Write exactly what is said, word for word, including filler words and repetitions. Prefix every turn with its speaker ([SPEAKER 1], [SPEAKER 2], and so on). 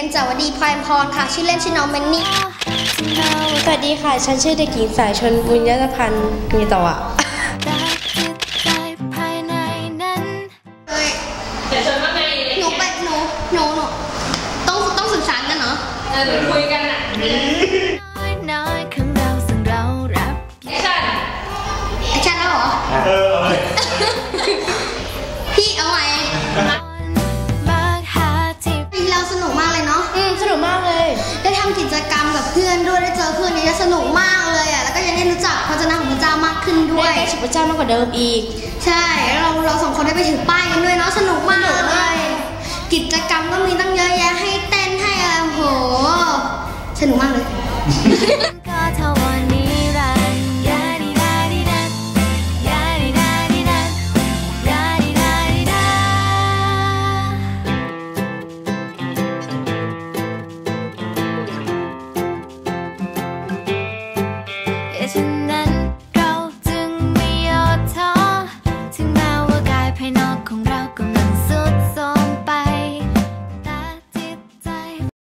[SPEAKER 1] จาวดีพลอยพรค่ะชื่อเล่นชื่อน้องเมนนี่
[SPEAKER 2] สวัสดีค่ะฉันชื่อเด็กหญิงสายชนบุญยพันธ์มีต่ออ่ะ
[SPEAKER 3] เดี๋ยวชนว่าไง
[SPEAKER 1] หนูไปหนูหนูหนูต้องต้องสื่อสารกันเนาะ
[SPEAKER 3] เออหนูคุยกันอ่ะแอคชั่น
[SPEAKER 1] แอคชั่นแล้วเหรอเออพี่เอาไงเราสนุกมากเลยเนาะ
[SPEAKER 2] อืมสนุกมากเลย
[SPEAKER 1] ได้ทำกิจกรรมกับเพื่อนด้วยได้เจอเพื่อนนี่สนุกมากเลยอ่ะแล้วก็ยังได้รู้จักพระเจ้าของพระเจ้ามากขึ้นด้วย
[SPEAKER 2] ได้ชิพระเจ้ามากกว่าเดิมอีก
[SPEAKER 1] ใช่แล้วเราเราสองคนได้ไปถือป้ายกันด้วยเนาะสนุกมากเลยกิจกรรมก็มีตั้งเยอะแยะให้เต้นให้อะไรโหสนุกมากเลย